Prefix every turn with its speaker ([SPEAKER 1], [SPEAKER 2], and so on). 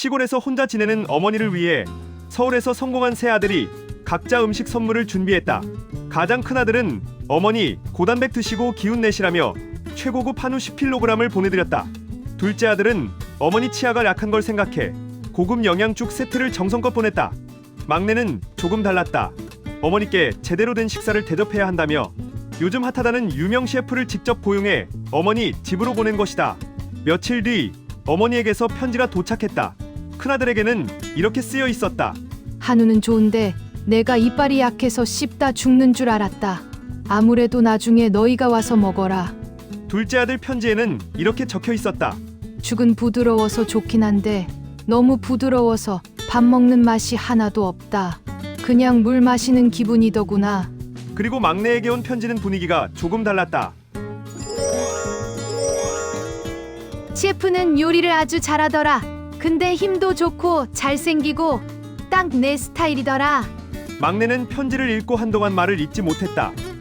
[SPEAKER 1] 시골에서 혼자 지내는 어머니를 위해 서울에서 성공한 세 아들이 각자 음식 선물을 준비했다. 가장 큰 아들은 어머니 고단백 드시고 기운 내시라며 최고급 한우 10kg을 보내드렸다. 둘째 아들은 어머니 치아가 약한 걸 생각해 고급 영양죽 세트를 정성껏 보냈다. 막내는 조금 달랐다. 어머니께 제대로 된 식사를 대접해야 한다며 요즘 핫하다는 유명 셰프를 직접 고용해 어머니 집으로 보낸 것이다. 며칠 뒤 어머니에게서 편지가 도착했다. 큰아들에게는 이렇게 쓰여 있었다.
[SPEAKER 2] 한우는 좋은데 내가 이빨이 약해서 씹다 죽는 줄 알았다. 아무래도 나중에 너희가 와서 먹어라.
[SPEAKER 1] 둘째 아들 편지에는 이렇게 적혀 있었다.
[SPEAKER 2] 죽은 부드러워서 좋긴 한데 너무 부드러워서 밥 먹는 맛이 하나도 없다. 그냥 물 마시는 기분이더구나.
[SPEAKER 1] 그리고 막내에게 온 편지는 분위기가 조금 달랐다.
[SPEAKER 2] 셰프는 요리를 아주 잘하더라. 근데 힘도 좋고 잘생기고 딱 내 스타일이더라.
[SPEAKER 1] 막내는 편지를 읽고 한동안 말을 잇지 못했다.